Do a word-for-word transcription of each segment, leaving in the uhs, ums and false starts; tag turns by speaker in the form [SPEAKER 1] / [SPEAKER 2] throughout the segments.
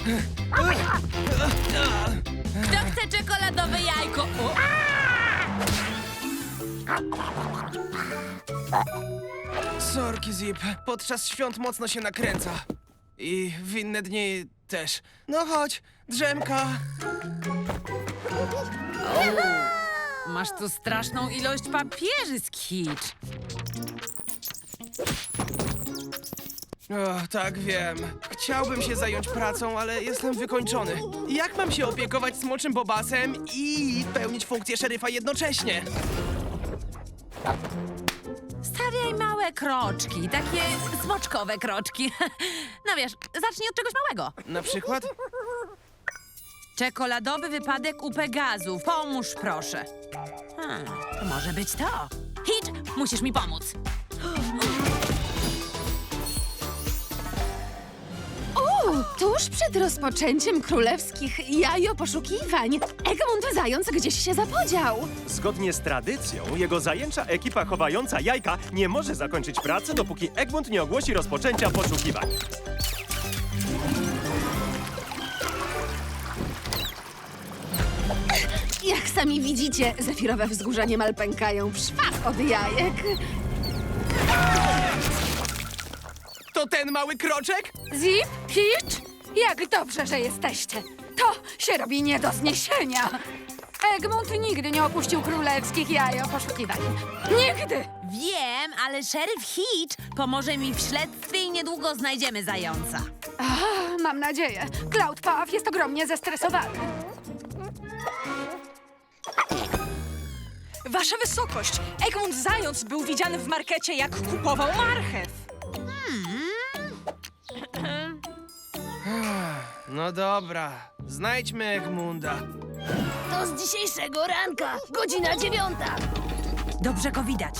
[SPEAKER 1] Kto chce czekoladowe jajko? O!
[SPEAKER 2] Sorki, Zip. Podczas świąt mocno się nakręca. I w inne dni też. No chodź, drzemka.
[SPEAKER 1] Masz tu straszną ilość papieży, Skitch.
[SPEAKER 2] O, tak, wiem. Chciałbym się zająć pracą, ale jestem wykończony. Jak mam się opiekować smoczym bobasem i pełnić funkcję szeryfa jednocześnie?
[SPEAKER 1] Stawiaj małe kroczki, takie smoczkowe kroczki. No wiesz, zacznij od czegoś małego.
[SPEAKER 2] Na przykład?
[SPEAKER 1] Czekoladowy wypadek u Pegazów. Pomóż, proszę. Hmm, to może być to. Hitch, musisz mi pomóc.
[SPEAKER 3] O, tuż przed rozpoczęciem królewskich jajoposzukiwań Egmont Zając gdzieś się zapodział.
[SPEAKER 4] Zgodnie z tradycją, jego zajęcza ekipa chowająca jajka nie może zakończyć pracy, dopóki Egmont nie ogłosi rozpoczęcia poszukiwań.
[SPEAKER 3] Jak sami widzicie, zefirowe wzgórza niemal pękają w szwach od jajek.
[SPEAKER 2] To ten mały kroczek?
[SPEAKER 5] Zip, Hitch, jak dobrze, że jesteście. To się robi nie do zniesienia. Egmont nigdy nie opuścił królewskich jajoposzukiwań. Nigdy!
[SPEAKER 1] Wiem, ale szeryf Hitch pomoże mi w śledztwie i niedługo znajdziemy zająca.
[SPEAKER 5] A, mam nadzieję. Cloud Puff jest ogromnie zestresowany.
[SPEAKER 6] Wasza wysokość, Egmont Zając był widziany w markecie, jak kupował marchew.
[SPEAKER 2] No dobra, znajdźmy Egmunda.
[SPEAKER 7] To z dzisiejszego ranka, godzina dziewiąta.
[SPEAKER 1] Dobrze go widać.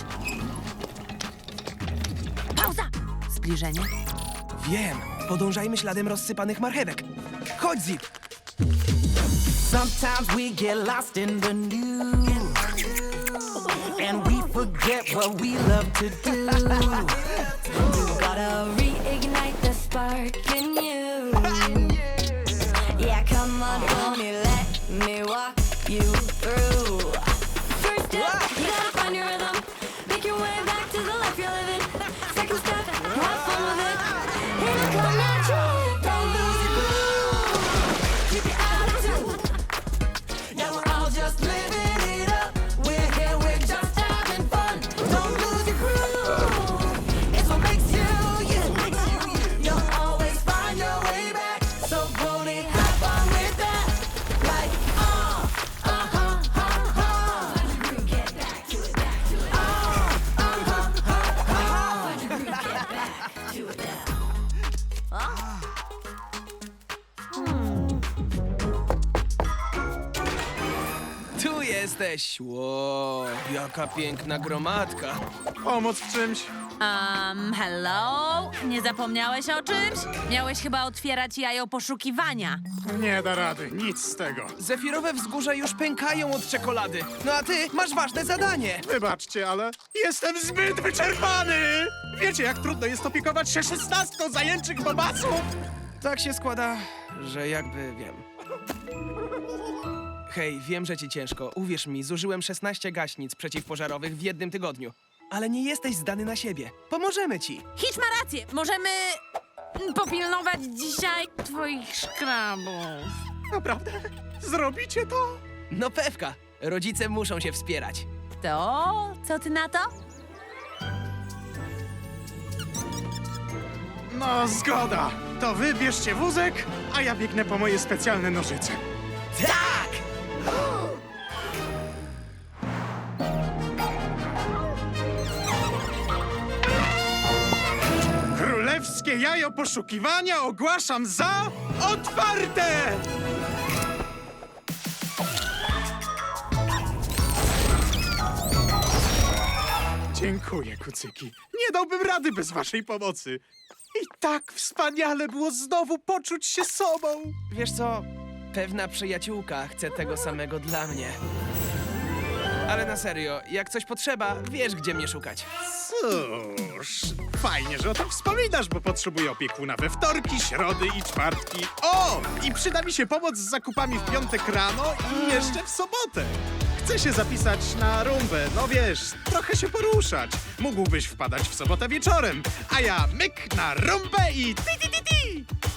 [SPEAKER 1] Pauza! Zbliżenie.
[SPEAKER 2] Wiem, podążajmy śladem rozsypanych marchewek. Chodź, Zip.
[SPEAKER 8] Sometimes we get lost in the news, and we forget what we love to do.
[SPEAKER 7] You gotta reignite the spark in you. Yeah, come on, homie, let me walk you through. First step, you gotta find your rhythm. Make your way back to the life you're living. Second step, have fun with it. It'll come natural. Don't lose your groove. Keep your attitude.
[SPEAKER 8] Yeah, we're all just living it up. We're here, we're just having fun. Don't lose your groove. It's what makes you you. You'll always find your way back. So pony, have fun with that. Like, uh, uh-huh, uh-huh. Get back to it, back to it. Uh, uh-huh, uh-huh. Get back to it now.
[SPEAKER 2] Tu jesteś. Ło, jaka piękna gromadka.
[SPEAKER 9] Pomóc w czymś?
[SPEAKER 1] Um, hello? Nie zapomniałeś o czymś? Miałeś chyba otwierać jajo poszukiwania.
[SPEAKER 9] Nie da rady, nic z tego.
[SPEAKER 2] Zefirowe wzgórza już pękają od czekolady. No a ty masz ważne zadanie.
[SPEAKER 9] Wybaczcie, ale jestem zbyt wyczerpany! Wiecie, jak trudno jest opiekować się szesnastką zajęczych bobasów?
[SPEAKER 2] Tak się składa, że jakby wiem. Hej, wiem, że ci ciężko. Uwierz mi, zużyłem szesnaście gaśnic przeciwpożarowych w jednym tygodniu. Ale nie jesteś zdany na siebie. Pomożemy ci.
[SPEAKER 1] Hitch ma rację. Możemy popilnować dzisiaj twoich szkrabów.
[SPEAKER 9] Naprawdę? Zrobicie to?
[SPEAKER 2] No pewka. Rodzice muszą się wspierać.
[SPEAKER 1] To? Co ty na to?
[SPEAKER 9] No, zgoda. To wy bierzcie wózek, a ja biegnę po moje specjalne nożyce.
[SPEAKER 2] Tak!
[SPEAKER 9] Królewskie jajo poszukiwania ogłaszam za otwarte! Dziękuję, kucyki. Nie dałbym rady bez waszej pomocy. I tak wspaniale było znowu poczuć się sobą.
[SPEAKER 2] Wiesz co? Pewna przyjaciółka chce tego samego dla mnie. Ale na serio, jak coś potrzeba, wiesz, gdzie mnie szukać.
[SPEAKER 9] Cóż, fajnie, że o tym wspominasz, bo potrzebuję opiekuna we wtorki, środy i czwartki. O! I przyda mi się pomoc z zakupami w piątek rano i jeszcze w sobotę. Chcę się zapisać na rumbę, no wiesz, trochę się poruszać. Mógłbyś wpadać w sobotę wieczorem, a ja myk na rumbę i ti ti ti ti!